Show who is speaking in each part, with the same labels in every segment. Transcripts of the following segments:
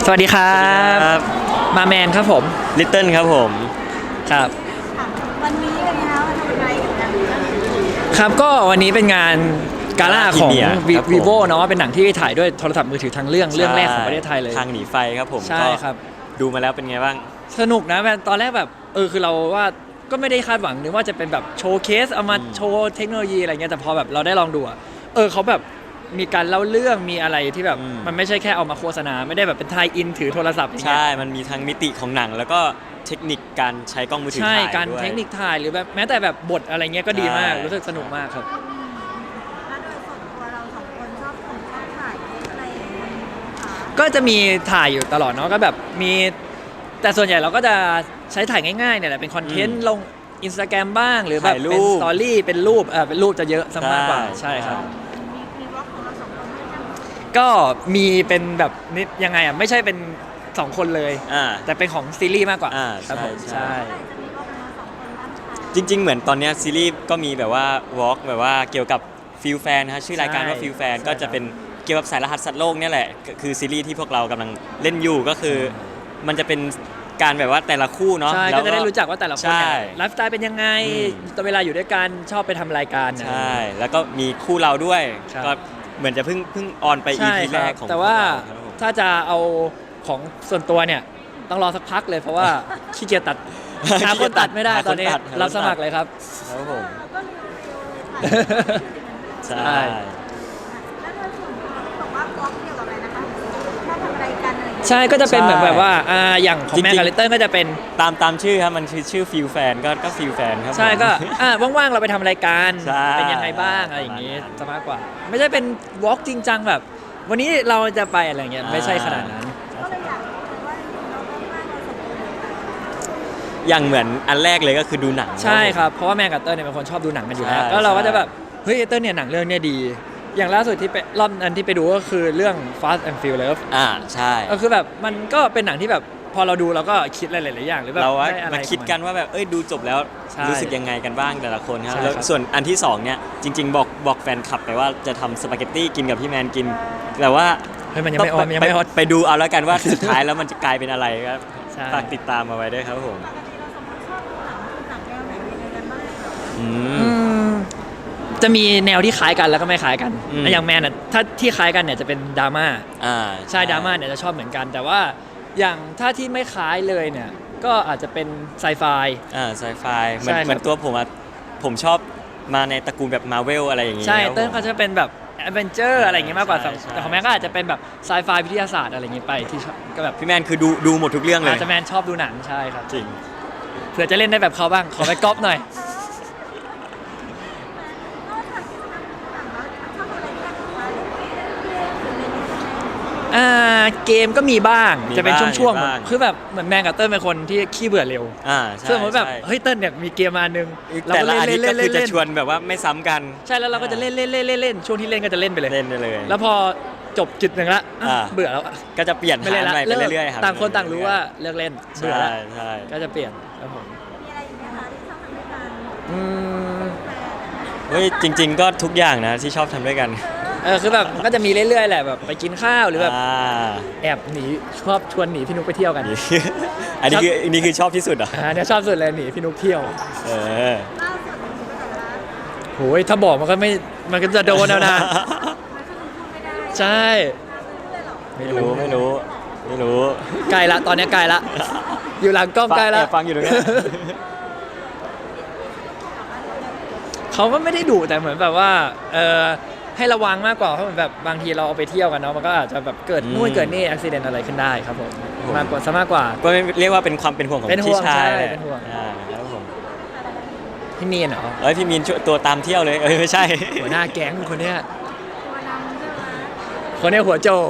Speaker 1: สวัสดีครับมาแมนครับผม
Speaker 2: ลิตเติ้ลครับผม
Speaker 1: ครับ
Speaker 3: วันนี้เป็นไงคะทำอะไรกัน
Speaker 1: ครับก็วันนี้เป็นงานกาล่าของ vivo เนาะเป็นหนังที่ถ่ายด้วยโทรศัพท์มือถือทางเรื่องแรกของประเทศไทยเลย
Speaker 2: ทางหนีไฟครับผม
Speaker 1: ใช่ครับ
Speaker 2: ดูมาแล้วเป็นไงบ้าง
Speaker 1: สนุกนะตอนแรกแบบคือเราว่าก็ไม่ได้คาดหวังนึกว่าจะเป็นแบบโชว์เคสเอามาโชว์เทคโนโลยีอะไรเงี้ยแต่พอแบบเราได้ลองดูเขาแบบมีการเล่าเรื่องมีอะไรที่แบบมันไม่ใช่แค่เอามาโฆษณาไม่ได้แบบเป็นไทยอินถือโทรศัพท์อย่างเงี้ย
Speaker 2: ใช่มันมีทั้งมิติของหนังแล้วก็เทคนิคการใช้กล้องมือถือถ่ายด้วย
Speaker 1: ใช่การเทคนิคถ่ายหรือแบบแม้แต่แบบบทอะไรเงี้ยก็ดีมากรู้สึกสนุกมากครับ
Speaker 3: แล้วโดยส่วนตัวเราสองคนชอบถ่ายอะไรอย่างเงี้ยคะ
Speaker 1: ก็จะมีถ่ายอยู่ตลอดเนาะก็แบบมีแต่ส่วนใหญ่เราก็จะใช้ถ่ายง่ายๆเนี่ยแหละเป็นคอนเทนต์ลง Instagram บ้างหรือแบบเป็นสตอรี่เป็นรูปจะเยอะซะมากกว่าใช่ครับ
Speaker 3: มีวอล์กของเราสองคนด้วยใช่ไหม
Speaker 1: ก็มีเป็นแบบนิดยังไงไม่ใช่เป็น2คนเลยแต่เป็นของซีรีส์มากกว่าครับผมใช่
Speaker 3: จะมีวอล์กของเราสองคนบ้างค่ะ
Speaker 2: จริงๆเหมือนตอนนี้ซีรีส์ก็มีแบบว่าวอล์กแบบว่าเกี่ยวกับฟิลแฟนนะชื่อรายการว่าฟิลแฟนก็จะเป็นเกี่ยวกับสายรหัสสัตว์โลกเนี่ยแหละคือซีรีส์ที่พวกเรากำลังเล่นอยู่ก็คือมันจะเป็นการแบบว่าแต่ละคู่เนาะ
Speaker 1: ใช่ก็จะได้รู้จักว่าแต่ละคน
Speaker 2: เนี่ย
Speaker 1: ไลฟ์สไตล์เป็นยังไงตอนเวลาอยู่ด้วยกันชอบไปทำรายการ
Speaker 2: ใช่แล้วก็มีคู่เราด้วยก็เหมือนจะเพิ่งออนไป EP แรกของ
Speaker 1: แต่ว่าถ้าจะเอาของส่วนตัวเนี่ยต้องรอสักพักเลยเพราะว่าขี้เกียจตัดหาคนตัดไม่ได้ตอนนี้รับสมัครเลยครับ
Speaker 2: ครับผม
Speaker 3: ก็มีเลย
Speaker 2: ใช่
Speaker 3: แล้วโดยส่วนตัวที่บอกว่าวอล์กเกี่ยวกับอะไรนะคะชอบทำอะไรกันอะไรอย่างเงี้ย
Speaker 1: ใช่ก็จะเป็นเหมือนแบบว่าอย่างของแมนกับลิตเติ้ลก็จะเป็น
Speaker 2: ตามชื่อครับมันชื่อฟิลแฟนก็ฟิลแฟนครับ
Speaker 1: ใช่ก็ว่างๆเราไปทำรายการเป็นยังไงบ้างอะไรอย่างงี้จะมากกว่าไม่ใช่เป็นวอล์กจริงจังแบบวันนี้เราจะไปอะไรเงี้ยไม่ใช่ขนาดนั้น
Speaker 3: ก็เลยอยากรู้ว่าเราต้องมากเราสองคนเลย
Speaker 2: อย่างเหมือนอันแรกเลยก็คือดูหนัง
Speaker 1: ใช่ครับเพราะว่าแมนกับเติ้ลเนี่ยเป็นคนชอบดูหนังกันอยู่แล้วแล้วเราก็จะแบบเฮ้ยเติ้ลเนี่ยหนังเรื่องเนี้ยดีอย่างล่าสุดที่ไปรอบนั้นที่ไปดูก็คือเรื่อง Fast and Furious
Speaker 2: ใช่
Speaker 1: ก็คือแบบมันก็เป็นหนังที่แบบพอเราดูเราก็คิดหลายๆอย่างหรือแบบ
Speaker 2: เรา
Speaker 1: ได้อะไร
Speaker 2: มาคิดกันว่าแบบดูจบแล้วรู้สึกยังไงกันบ้างแต่ละคนครับแล้วส่วนอันที่2เนี่ยจริงๆบอกแฟนคลับไปว่าจะทำสปาเกตตี้กินกับพี่แมนกินแต่ว่า
Speaker 1: มันยังไม่ออน
Speaker 2: ไปดูเอาแล้วกันว่าสุดท้ายแล้วมันจะกลายเป็นอะไรครับฝากติดตามมาไว้ด้วยครับผม
Speaker 3: ปกติเราสองคนชอบดูหนังแนวไหนยังไงกันบ้าง
Speaker 1: จะมีแนวที่คล้ายกันแล้วก็ไม่คล้ายกันอย่างแมนน่ะถ้าที่คล้ายกันเนี่ยจะเป็นดราม่าใช่ดราม่าเนี่ยจะชอบเหมือนกันแต่ว่าอย่างถ้าที่ไม่คล้ายเลยเนี่ยก็อาจจะเป็นไซไฟ
Speaker 2: ไซไฟเหมือนตัวผมชอบมาในตระกูลแบบมาเวลอะไรอย่างงี้
Speaker 1: ใช่เติ้ลเขาจะเป็นแบบแอดเวนเจอร์อะไรอย่างงี้มากกว่าแต่ของแมนก็อาจจะเป็นแบบไซไฟวิทยาศาสตร์อะไรอย่างงี้ไปที่ก็แบบ
Speaker 2: พี่แมนคือดูหมดทุกเรื่องเลย
Speaker 1: อาจจะแมนชอบดูหนังใช่ครับ
Speaker 2: จริง
Speaker 1: เผื่อจะเล่นได้แบบเขาบ้างขอไปก๊อปหน่อยเกมก็มีบ้างจะเป็นช่วงๆคือแบบเหมือนแมนกับเติ้ลเป็นคนที่ขี้เบื่อเร็วซึ่งผมแบบเฮ้ยเติ้ลเนี่ยมีเกมมานึง
Speaker 2: แต่ละอาทิตย์ก็คือจะชวนแบบว่าไม่ซ้ำกัน
Speaker 1: ใช่แล้วเราก็จะเล่นช่วงที่เล่นก็จะเล่นไปเลยแล้วพอจบจุดหนึ่งละเบื่อแล้ว
Speaker 2: ก็จะเปลี่ยนหาใหม่ไปเรื่อยๆ
Speaker 1: ต่างคนต่างรู้ว่าเลิกเล่นเบื่อแล้วก็จะเปลี่ยนครับผม
Speaker 3: มีอะไรอีกไหมคะที่ชอบทำด้วยกัน
Speaker 2: เฮ้ยจริงๆก็ทุกอย่างนะที่ชอบทำด้วยกัน
Speaker 1: คือแบบก็จะมีเรื่อยๆแหละแบบไปกินข้าวหรือแบบแอบหนีชอบชวนหนีพี่นุ๊กไปเที่ยวกัน
Speaker 2: อันนี้คือชอบที่สุดเหรอ
Speaker 1: เนี่ยชอบสุดเลยหนีพี่นุ๊กเที่ยว
Speaker 3: ล่าสุดมีไปไหนละ
Speaker 1: โหยถ้าบอกมันก็จะโดนแล้วนะใช่
Speaker 2: ไม่รู้
Speaker 1: ไกลละตอนนี้ไกลละอยู่หลังกล้องไกลละ
Speaker 2: ฟังอยู่ตรงนี้
Speaker 1: เขาก็ไม่ได้ดุแต่เหมือนแบบว่าให้ระวังมากกว่าเพราะเหมือนแบบบางทีเราเอาไปเที่ยวกันเนาะมันก็อาจจะแบบเกิดนู่นเกิดนี่อุบิเหตุอะไรขึ้นได้ครับผมมากกว่า
Speaker 2: ก็เรียกว่าเป็นความเป็นห่วงของพี่ชาย
Speaker 1: เป็นห่วง
Speaker 2: ครับผม
Speaker 1: พี่มีนเหรอ
Speaker 2: พี่มีนตัวตามเที่ยวเลยไม่ใช่
Speaker 1: หัวหน้าแก๊งคนเนี้ย
Speaker 3: ตัวนำใช่ไหม
Speaker 1: คนเนี้ยหัวโจบ
Speaker 3: น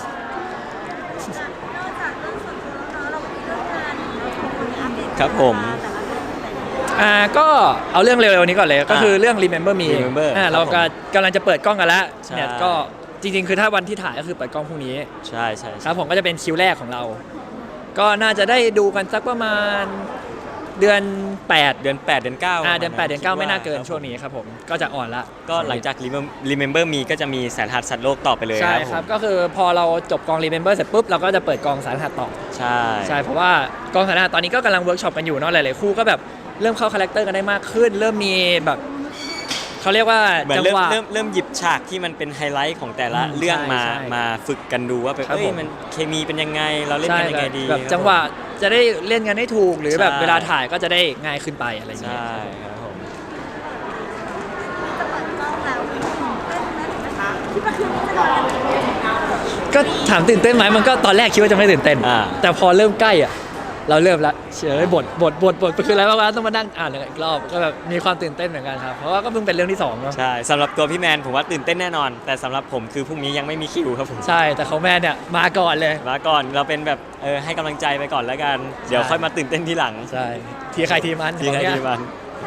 Speaker 3: อกจากเรื่องส่วนตัวแล้วเรามีเรื่องงานเราสองคนอัปเดต
Speaker 2: ครับผม
Speaker 1: ก็เอาเรื่องเร็วๆนี้ก่อนเลยก็คือเรื่อง Remember Me เรากำลังจะเปิดกล้องกันแล้วเนี่ยก็จริงๆคือถ้าวันที่ถ่ายก็คือเปิดกล้องพรุ่งนี้
Speaker 2: ใช่ครับ
Speaker 1: ผมก็จะเป็นคิวแรกของเราก็น่าจะได้ดูกันสักประมาณเดือน 8
Speaker 2: เดือน 8 เดือน 9
Speaker 1: เดือน 8 เดือน 9 ไม่น่าเกินช่วงนี้ครับผมก็จะอ่อนละ
Speaker 2: ก็หลังจาก Remember Me ก็จะมีแสนรหัสสัตว์โลกต่อไปเลย
Speaker 1: ใช่
Speaker 2: ค
Speaker 1: ค
Speaker 2: รั
Speaker 1: รั
Speaker 2: บบ ผม
Speaker 1: ก็คือพอเราจบกอง Remember เสร็จปุ๊บเราก็จะเปิดกองสารหัสต่อ
Speaker 2: ใช่
Speaker 1: ใช่เพราะว่ากองสารหัสตอนนี้ก็กำลังเวิร์กช็อปกันอยู่เนาะหลายๆคู่ก็แบบเริ่มเข้าคาแรคเตอร์กันได้มากขึ้น เริ่มมีแบบเขาเรียกว่า
Speaker 2: เหมือน
Speaker 1: จัง
Speaker 2: เริ่
Speaker 1: ห
Speaker 2: ม
Speaker 1: วะ
Speaker 2: เริ่มหยิบฉากที่มันเป็นไฮไลท์ของแต่ละ
Speaker 1: อืม
Speaker 2: เรื่อง
Speaker 1: ใช่
Speaker 2: มา
Speaker 1: ใช่
Speaker 2: มาฝึกกันดูว่าแบบ
Speaker 1: ครับ
Speaker 2: เอ้ย
Speaker 1: ผม
Speaker 2: มันเคมีเป็นยังไงเราเล่น
Speaker 1: ใช่
Speaker 2: กันยังไงดี
Speaker 1: แบบ
Speaker 2: ครับ
Speaker 1: จังหวะจะได้เล่นกันให้ถูกหรือแบบ
Speaker 2: ใช่
Speaker 1: เวลาถ่ายก็จะได้ง่ายขึ้นไปอะไรอย่างเงี้ย
Speaker 2: ใช่ครับผม
Speaker 3: จะเปิดกล้องแล้วเต้นนะคะคิดว่าคืนนี้จะนอนกันหรือเปล่า
Speaker 1: ก็ถามตื่นเต้นไหมมันก็ตอนแรกคิดว่าจะไม่ตื่นเต้น แต่พอเริ่มใกล้อ่ะเราเริ่มละเฉยบทคืออะไรวะต้องมานั่งอ่านอีกรอบก็แบบมีความตื่นเต้นเหมือนกันครับเพราะว่าก็เพิ่งเป็นเรื่องที่สองเนาะ
Speaker 2: ใช่สำหรับตัวพี่แมนผมว่าตื่นเต้นแน่นอน แต่สำหรับผมคือพรุ่งนี้ยังไม่มีคิวครับผม
Speaker 1: ใช่แต่เขาแม่เนี่ยมาก่อนเลย
Speaker 2: มาก่อนเราเป็นแบบให้กำลังใจไปก่อนแล้วกัน เดี๋ยวค่อยมาตื่นเต้นทีหลัง
Speaker 1: ใช่ทีใครทีมัน
Speaker 2: ทีใคร
Speaker 1: ของ
Speaker 2: ที
Speaker 1: เนี่ย
Speaker 2: มัน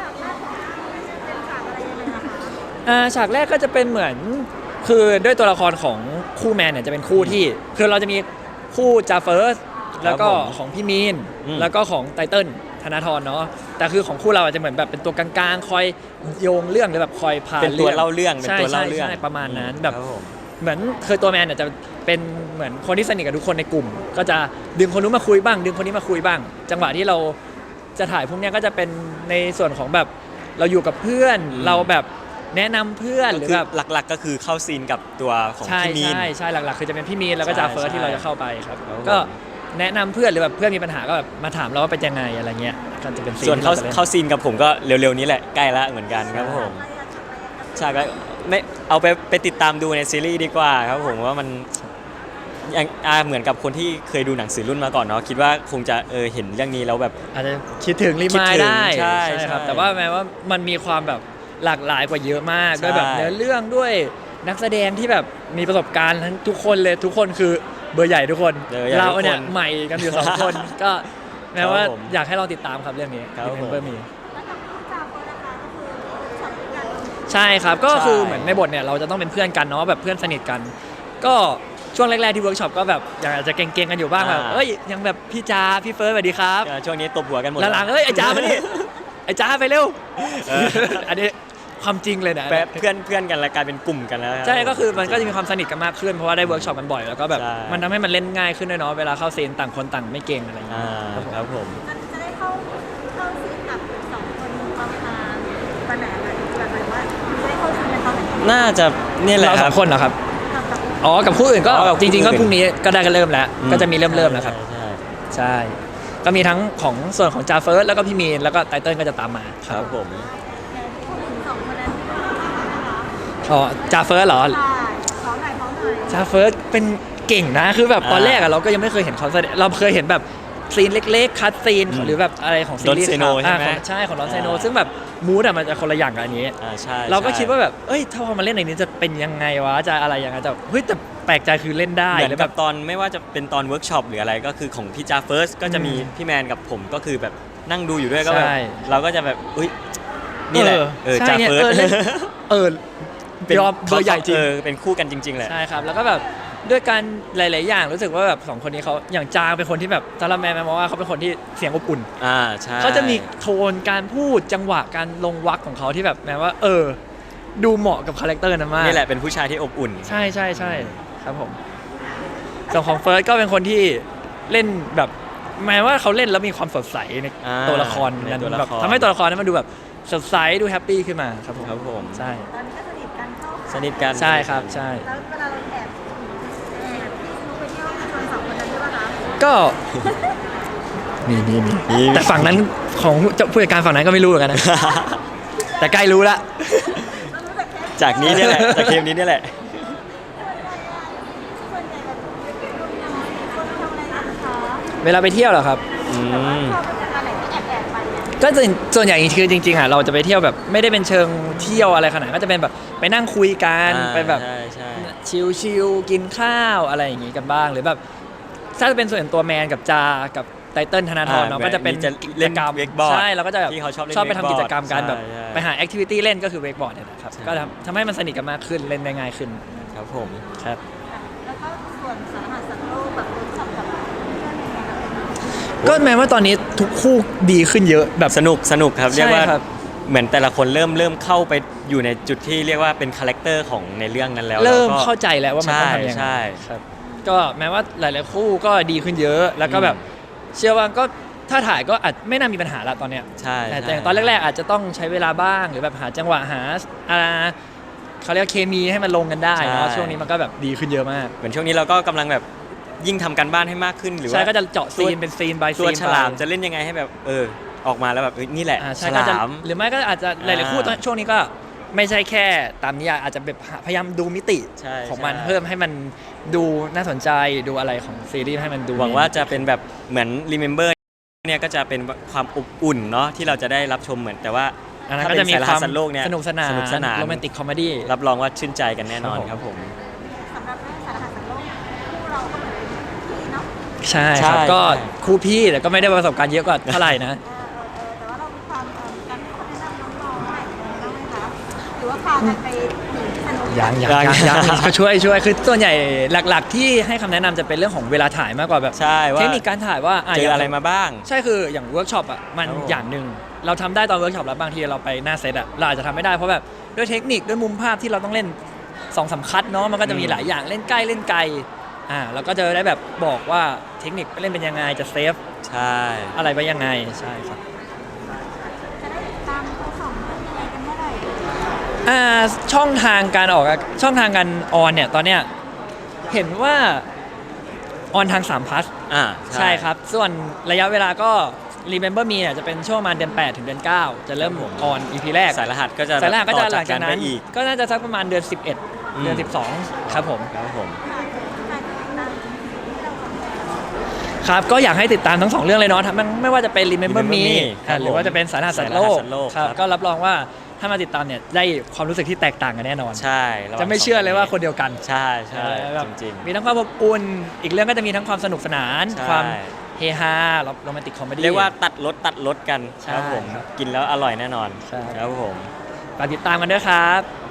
Speaker 3: ฉากแรกของเราเป็นฉากอะไรยังไงนะคะ
Speaker 1: ฉากแรกก็จะเป็นเหมือนคือด้วยตัวละครของคู่แมนเนี่ยจะเป็นคู่ที่คือเราจะมีคู่จาเฟิร์สแล้วก็ของพี่มีนแล้วก็ของไตเติ้ลธนาธรเนาะแต่คือของคู่เราอาจจะเหมือนแบบเป็นตัวกลางๆคอยโยงเรื่องหรือแบบคอยพา
Speaker 2: เป็นตัวเล่าเรื่องเป็น
Speaker 1: ใช่
Speaker 2: ตัวเล่า
Speaker 1: ใช่
Speaker 2: เรื่อง
Speaker 1: ใช่ประมาณนั้นแบบ
Speaker 2: ครับผม
Speaker 1: เหมือนคือตัวแมนเนี่ยจะเป็นเหมือนคนที่สนิทกับทุกคนในกลุ่ม ก็จะดึงคนนู้นมาคุยบ้าง ดึงคนนี้มาคุยบ้าง จังหวะที่เราจะถ่ายพวกเนี้ยก็จะเป็นในส่วนของแบบเราอยู่กับเพื่อน เราแบบแนะนำเพื่อนหรือแบบ
Speaker 2: หลักๆก็คือเข้าซีนกับตัวของ
Speaker 1: ใช่
Speaker 2: พี่มีน
Speaker 1: ใช่หลักๆคือจะเป็นพี่มีนแล้วก็
Speaker 2: ใช่
Speaker 1: จาเฟิร์ส
Speaker 2: ใช่
Speaker 1: ที่เราจะเข้าไปครับ
Speaker 2: ครับผม
Speaker 1: ก็แนะนำเพื่อนหรือแบบเพื่อนมีปัญหาก็แบบมาถามเราว่าเป็นยังไงอะไรเงี้ยก็จะเป็นซีน
Speaker 2: ส่วน
Speaker 1: ที่
Speaker 2: เข้า
Speaker 1: รจะล่น
Speaker 2: เข้าซีนกับผมก็เร็วๆนี้แหละใกล้ละเหมือนกันครับผมฉากแรกไม่เอาไปติดตามดูในซีรีส์ดีกว่าครับผมว่ามันอย่างเหมือนกับคนที่เคยดูหนังสือรุ่นมาก่อนเนาะคิดว่าคงจะเห็นเรื่องนี้แล้วแบบ
Speaker 1: อาจจะคิดถึงรี
Speaker 2: คิด
Speaker 1: มาย
Speaker 2: ถึง
Speaker 1: ได้
Speaker 2: ใช่
Speaker 1: ครับ
Speaker 2: ใช่
Speaker 1: แต่ว่าแม้ว่ามันมีความแบบหลากหลายกว่าเยอะมาก
Speaker 2: ใช่
Speaker 1: ด้วยแบบเนื้อเรื่องด้วยนักแสดงที่แบบมีประสบการณ์ทั้งทุกคนเลยทุกคนคือเบอร์ใหญ่ทุกคน เราเนี่ยใหม่กันอยู่ 2 คน ก็แม้ว่าอยากให้ลองติดตามครับเรื่องนี้
Speaker 2: ครับผม
Speaker 1: Remember Me
Speaker 3: แล้วกับคู่จาเฟิร์สนะคะก็คือช็อตด้วยกัน
Speaker 1: ใช่ครับก็
Speaker 2: ใช่
Speaker 1: คือเหมือนในบทเนี่ยเราจะต้องเป็นเพื่อนกันเนาะแบบเพื่อนสนิทกัน ก็ช่วงแรกๆที่เวิร์กช็อปก็แบบอยากจะเก่งๆกันอยู่บ้างแบบเอ้ยยังแบบพี่จาพี่เฟิร์สสวัสดีครับ
Speaker 2: ช่วงนี้ตบหัวกันหมด
Speaker 1: หลังๆเอ้ยไอ้จ้ามานี่ไอ้จ้าไปเร็ว
Speaker 2: เออ
Speaker 1: อันนี้ความจริงเลยนะ
Speaker 2: แปะเพื่อนกันแล้วกลายเป็นกลุ่มกันแล้วรับ
Speaker 1: ใช่ก็คือมันก็จะมีความสนิทกันมากขึ้นเพราะว่าได้เวิร์กช็อปกันบ่อยแล้วก็แบบ
Speaker 2: ใช่
Speaker 1: มันทำให้มันเล่นง่ายขึ้นด้วยเนาะเวลาเข้าซีนต่างคนต่างไม่เก่งอะไรอย่างเงี้
Speaker 2: ครับผม
Speaker 3: จะได้เข้าซีนกับสองคนประมาณวันไหนอะไรแบบไหนว่าจะได้เข้าซีนกันตอนไหน
Speaker 2: น่าจะเนี่ยแหละ
Speaker 1: เรา
Speaker 2: ค
Speaker 1: ส
Speaker 2: รั
Speaker 1: อบ งคนเหรอครับ
Speaker 3: ทำกับ
Speaker 1: อ๋อกับคู่อื่นก็
Speaker 2: อ๋อกับคู่
Speaker 1: จริงๆก็
Speaker 2: อื่น
Speaker 1: พรุ่งนี้ก็ได้กันเริ่มแล้ว ก็จะมีเริ่มแล้วครับ
Speaker 2: ใช่
Speaker 1: ใช่ ก็มีทั้งของส่วนของจาเฟิร์สแล้วก็พี่มีนแล้วก็ไตเติ้ลก็จะตามมา
Speaker 2: ครับผม
Speaker 3: พูดถึงสองคนนั้นนะคะ
Speaker 1: อ๋อจาเฟิร์สเหรอ
Speaker 3: ใช่พร้อมหน่อยพร้อมหน่อย
Speaker 1: จาเฟิร์สเป็นเก่งนะคือแบบตอนแรกอะเราก็ยังไม่เคยเห็นเขาแสดงเราเคยเห็นแบบซีนเล็กๆคัดซีนหรือแบบอะไรของซีรีส์
Speaker 2: Don Seno ใช่ไหม
Speaker 1: ใช่ของดอนเซโนซึ่งแบบมูดอะมันจะคนละอย่างกับอันนี้
Speaker 2: ใช่
Speaker 1: เราก็
Speaker 2: ใช่
Speaker 1: คิดว่าแบบเอ้ยถ้าพอมาเล่นในนี้จะเป็นยังไงวะจะอะไรยังไงแต่เฮ้ยแต่แปลกใจคือเล่นได้
Speaker 2: เหมือ
Speaker 1: แล้ว
Speaker 2: น
Speaker 1: แบ
Speaker 2: กับบ ตอนไม่ว่าจะเป็นตอนเวิร์กช็อปหรืออะไรก็คือของพี่จาเฟิร์สก็จะมี
Speaker 1: อืม
Speaker 2: พี่แมนกับผมก็คือแบบนั่งดูอยู่ด้วยก็แบบ
Speaker 1: ใช่
Speaker 2: เราก็จะแบบอุ้ยนี่แหละ
Speaker 1: ใช่
Speaker 2: จา
Speaker 1: นี่ย
Speaker 2: เฟิร์ส
Speaker 1: เล่นเออ ยอมเบอร์ใหญ่จริง
Speaker 2: เป็นคู่กันจริงๆแหละ
Speaker 1: ใช่ครับแล้วก็แบบด้วยการหลาย ๆ อย่างรู้สึกว่าแบบสองคนนี้เขาอย่างจางเป็นคนที่แบบสำหรับแมนมองว่าเขาเป็นคนที่เสียงอบอุ่น
Speaker 2: ใช่
Speaker 1: เขาจะมีโทนการพูดจังหวะการลงวรรคของเขาที่แบบแม้ว่าดูเหมาะกับคาแรคเตอร์นั้นมาก
Speaker 2: นี่แหละเป็นผู้ชายที่อบอุ่น
Speaker 1: ใช่ใช่ใช่ครับผมส่วนของเฟิร์สก็เป็นคนที่เล่นแบบแม้ว่าเขาเล่นแล้วมีความสดใสใน
Speaker 2: อ่า
Speaker 1: ตัวละคร
Speaker 2: ในตัวละคร
Speaker 1: แบบทำให้ตัวละครนั้นมันดูแบบสดใสดูแฮปปี้ขึ้นมาครับผม
Speaker 2: ครับผม
Speaker 1: ใช่
Speaker 3: ตอนนี้ก็สนิทกันเข้า
Speaker 2: สนิทกัน
Speaker 1: ใช่ครับใช่
Speaker 3: แล้วเวลาเราแอบที่สนุกไปเที่ยวชวนสองคนนั้นใช่ปะคะ
Speaker 1: ก็ มีแต่ฝั่งนั้นของผู้จัดการฝั่งนั้นก็ไม่รู้เหมือนกันนะ แต่ใกล้รู้ละ
Speaker 3: เรารู้แต่แค่
Speaker 2: จากนี้เนี่ยแหละจากเกมนี้เนี่ยแหละ
Speaker 3: ส่วนใหญ่แบบเด็กๆรุ่นน้อยคนทำอะไรกันคะ
Speaker 1: เวลาไปเที่ยวเหรอครับ
Speaker 3: แต่ว่าชอบไปจากอะไรที่แอบไปเนี่ย
Speaker 1: ก็ส่วนใหญ่คือจริงๆอ่ะเราจะไปเที่ยวแบบไม่ได้เป็นเชิงเที่ยวอะไรขนาดนั้นก็จะเป็นแบบไปนั่งคุยกันไปแบบ
Speaker 2: ใช่ใช่
Speaker 1: ชิลๆกินข้าวอะไรอย่างงี้กันบ้างหรือแบบถ้าจะเป็นส่วนตัวแมนกับจากับไตเติ้ลธนาธรเนาะก็จะเป็น
Speaker 2: จะ
Speaker 1: กิ
Speaker 2: เล่
Speaker 1: จ
Speaker 2: น
Speaker 1: กรรม
Speaker 2: เวกบอร์ด
Speaker 1: ใช่เราก็จะแบบ
Speaker 2: ที่เขาชอบเล่น
Speaker 1: ชอบไปทำกิจกรรมกัน
Speaker 2: wakeboard
Speaker 1: แบบ
Speaker 2: ใช่
Speaker 1: ไปหาแอคทิวิตี้เล่นก็คือเวกบอร์ดเนี่ยนะครับ
Speaker 2: ใช่
Speaker 1: ก็ทำให้มันสนิทกันมากขึ้นเล่นได้ง่ายขึ้น
Speaker 2: ครับผม
Speaker 1: ครับ
Speaker 3: แล้วก็ส่วนสารหัสสัตว์โลกแบบเวิร์กช็อปกับเพื่อนยังไงคะ
Speaker 1: ก็แม้ว่าตอนนี้ทุกคู่ดีขึ้นเยอะแบบ
Speaker 2: สนุกครับเรียกว่า
Speaker 1: ใช่ครับ
Speaker 2: เหมือนแต่ละคนเริ่มเข้าไปอยู่ในจุดที่เรียกว่าเป็นคาแรคเตอร์ของในเรื่องนั้นแล้ว
Speaker 1: เริ่ม
Speaker 2: แล้วก็
Speaker 1: เข้าใจแล้วว่ามันต้องทำยังไง
Speaker 2: ใช่
Speaker 1: ครับก็แม้ว่าหลาย ๆ คู่ก็ดีขึ้นเยอะแล้วก็แบบเชื่อว่าก็ถ้าถ่ายก็อาจไม่น่ามีปัญหาละตอนเนี้ย
Speaker 2: ใช่
Speaker 1: แต่
Speaker 2: ใช่
Speaker 1: อย่างตอนแรก ๆ อาจจะต้องใช้เวลาบ้างหรือแบบหาจังหวะหาอ่าเขาเรียกว่าเคมีให้มันลงกันได้เนาะช่วงนี้มันก็แบบดีขึ้นเยอะมาก
Speaker 2: เหมือนช่วงนี้เราก็กำลังแบบยิ่งทำการบ้านให้มากขึ้นหรือว่า
Speaker 1: ใช่ก็จะเจาะซีนเป็นซีน by
Speaker 2: ตัว
Speaker 1: ซีน
Speaker 2: ฉลามจะเล่นยังไงให้แบบออกมาแล้วแบบนี่แหละ
Speaker 1: ใช่
Speaker 2: ฉ
Speaker 1: ก็
Speaker 2: ลา
Speaker 1: จะ
Speaker 2: ม
Speaker 1: หรือไม่ก็อาจจะหลาย ๆ คู่
Speaker 2: อ่า
Speaker 1: ช่วงนี้ก็ไม่ใช่แค่ตามนิยายอาจจะแบบพยายามดูมิติ
Speaker 2: ใช่
Speaker 1: ของมัน
Speaker 2: ใช่
Speaker 1: เพิ่มให้มันดูน่าสนใจดูอะไรของซีรีส์ให้มันดู
Speaker 2: หวังว่าจะเป็นแบบเหมือน Remember เนี่ยก็จะเป็นความอบอุ่นเนาะที่เราจะได้รับชมเหมือนแต่ว่า
Speaker 1: อันนั้น
Speaker 2: ถ้า
Speaker 1: ก็
Speaker 2: เป็
Speaker 1: จะ
Speaker 2: น
Speaker 1: มี
Speaker 2: สายร
Speaker 1: ค
Speaker 2: หั
Speaker 1: วา
Speaker 2: ส
Speaker 1: ม
Speaker 2: สัตว์โลกเนี่ย
Speaker 1: สนุกสนาน
Speaker 2: สนุกสนาน
Speaker 1: โรแมนติกคอมเมดี้
Speaker 2: รับรองว่าชื่นใจกันแน่นอน
Speaker 1: ครับผม
Speaker 2: ครับผม
Speaker 3: สำหรับเรื่องสารหัสสัตว์โลกคู่เราก็เหมือนเป็นพี่เนาะ
Speaker 1: ใช่ครับ
Speaker 2: ใช่
Speaker 1: ก็
Speaker 2: ใช่
Speaker 1: คู่พี่แต่ก็ไม่ได้ประสบการณ์เยอะกว่าเท่าไหร่นะ
Speaker 3: แต่ว่าเรามีความการให้คนแนะนำน้องๆใหม่บ้างไหมคะหรือว่าพากันไปสนุก
Speaker 1: ยังก็ช่วยคือส่วนใหญ่หลัก ๆ ที่ให้คำแนะนำจะเป็นเรื่องของเวลาถ่ายมากกว่าแบบ
Speaker 2: ใช่ว่า
Speaker 1: เทคนิคการถ่ายว่า
Speaker 2: เจออะไรมาบ้าง
Speaker 1: ใช่คืออย่างเวิร์กช็อปอ่ะมัน
Speaker 2: ครับผม
Speaker 1: อย่างหนึ่งเราทำได้ตอนเวิร์กช็อปแล้วบางทีเราไปหน้าเซตอ่ะเราอาจจะทำไม่ได้เพราะแบบด้วยเทคนิคด้วยมุมภาพที่เราต้องเล่น2-3 คัดเนาะมันก็จะมีหลายอย่างเล่นใกล้เล่นไกลแล้วก็จะได้แบบบอกว่าเทคนิคเล่นเป็นยังไงจะเซฟ
Speaker 2: ใช่
Speaker 1: อะไรไปยังไงใช่ครับ
Speaker 3: จะได้ติดตามทั้งสองเรื่องยังไงกันเมื่อไหร่
Speaker 1: ช่องทางการออกช่องทางการออนเนี่ยตอนเนี้ยเห็นว่าออนทาง3 plus ใช่ครับ ส่วนระยะเวลาก็ Remember Me เนี่ยจะเป็นช่วงประมาณเดือน 8 ถึงเดือน 9 จะเริ่มออน EP แรก
Speaker 2: สายรหัสก็จะ
Speaker 1: สายล่างก็จะหลัง
Speaker 2: ต่อ
Speaker 1: จากนั้น
Speaker 2: ไปอีก
Speaker 1: ก็น่าจะสักประมาณเดือน 11 เดือน 12 ครับผม
Speaker 2: ครับผม
Speaker 3: การติดตามที่เราทำ
Speaker 1: ครับก็อยากให้ติดตามทั้ง 2 เรื่องเลยเนาะทั้งไม่ว่าจะเป็น Remember Me
Speaker 2: ครับ
Speaker 1: หรือว่าจะเป็นสารหัสสัตว์โลก
Speaker 2: สารหัสสัตว์โลก
Speaker 1: ครับ
Speaker 2: ครับ
Speaker 1: ก็รับรองว่าถ้ามาติดตามเนี่ยได้ความรู้สึกที่แตกต่างกันแน่นอน
Speaker 2: ใช่ระหว่าง
Speaker 1: จะไม่เชื่อเลยว่าคนเดียวกัน
Speaker 2: ใช่ใช่
Speaker 1: แบบ
Speaker 2: จริง
Speaker 1: มีทั้งความอบอุ่นอีกเรื่องก็จะมีทั้งความสนุกสนาน
Speaker 2: ใช่
Speaker 1: ความเฮฮาโรแมนติกคอมเม
Speaker 2: ๆ
Speaker 1: ดี้
Speaker 2: เรียกว่าตัดรสกัน
Speaker 1: ใช่
Speaker 2: ครับผม
Speaker 1: ครับ
Speaker 2: กินแล้วอร่อยแน่นอน
Speaker 1: ใช่
Speaker 2: ครับผม
Speaker 1: ฝากติดตามกันด้วยครับ